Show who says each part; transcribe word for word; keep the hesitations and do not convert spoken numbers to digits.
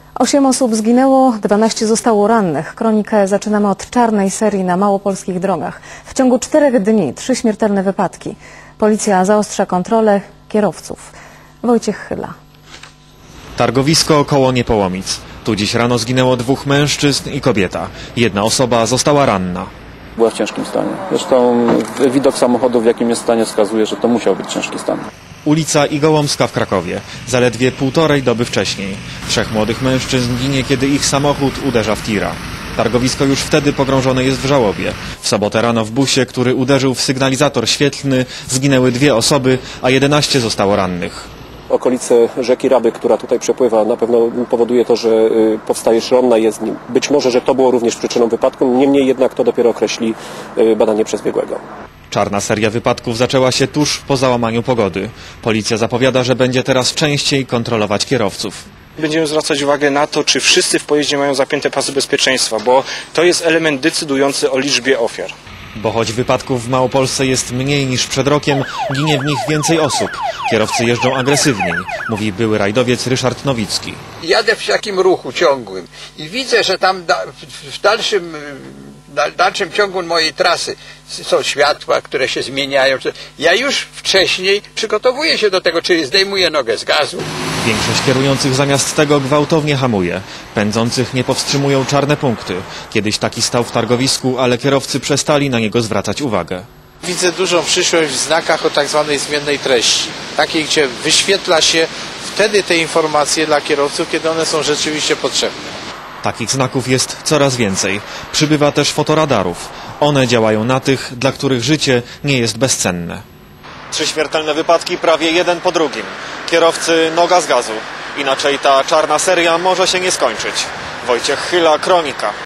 Speaker 1: Osiem osób zginęło, dwanaście zostało rannych. Kronikę zaczynamy od czarnej serii na małopolskich drogach. W ciągu czterech dni trzy śmiertelne wypadki. Policja zaostrza kontrolę kierowców. Wojciech Chyla.
Speaker 2: Targowisko koło Niepołomic. Tu dziś rano zginęło dwóch mężczyzn i kobieta. Jedna osoba została ranna.
Speaker 3: Była w ciężkim stanie. Zresztą widok samochodu, w jakim jest stanie, wskazuje, że to musiał być ciężki stan.
Speaker 2: Ulica Igołomska w Krakowie. Zaledwie półtorej doby wcześniej. Trzech młodych mężczyzn ginie, kiedy ich samochód uderza w tira. Targowisko już wtedy pogrążone jest w żałobie. W sobotę rano w busie, który uderzył w sygnalizator świetlny, zginęły dwie osoby, a jedenaście zostało rannych.
Speaker 4: Okolice rzeki Raby, która tutaj przepływa, na pewno powoduje to, że powstaje szronna jezdni. Być może, że to było również przyczyną wypadku, niemniej jednak to dopiero określi badanie przez biegłego.
Speaker 2: Czarna seria wypadków zaczęła się tuż po załamaniu pogody. Policja zapowiada, że będzie teraz częściej kontrolować kierowców.
Speaker 5: Będziemy zwracać uwagę na to, czy wszyscy w pojeździe mają zapięte pasy bezpieczeństwa, bo to jest element decydujący o liczbie ofiar.
Speaker 2: Bo choć wypadków w Małopolsce jest mniej niż przed rokiem, ginie w nich więcej osób. Kierowcy jeżdżą agresywniej, mówi były rajdowiec Ryszard Nowicki.
Speaker 6: Jadę w takim ruchu ciągłym i widzę, że tam da, w dalszym, w dalszym ciągu mojej trasy są światła, które się zmieniają. Ja już wcześniej przygotowuję się do tego, czyli zdejmuję nogę z gazu.
Speaker 2: Większość kierujących zamiast tego gwałtownie hamuje. Pędzących nie powstrzymują czarne punkty. Kiedyś taki stał w targowisku, ale kierowcy przestali na niego zwracać uwagę.
Speaker 7: Widzę dużą przyszłość w znakach o tak zwanej zmiennej treści. Takiej, gdzie wyświetla się wtedy te informacje dla kierowców, kiedy one są rzeczywiście potrzebne.
Speaker 2: Takich znaków jest coraz więcej. Przybywa też fotoradarów. One działają na tych, dla których życie nie jest bezcenne. Trzy śmiertelne wypadki prawie jeden po drugim. Kierowcy noga z gazu. Inaczej ta czarna seria może się nie skończyć. Wojciech Chyla, Kronika.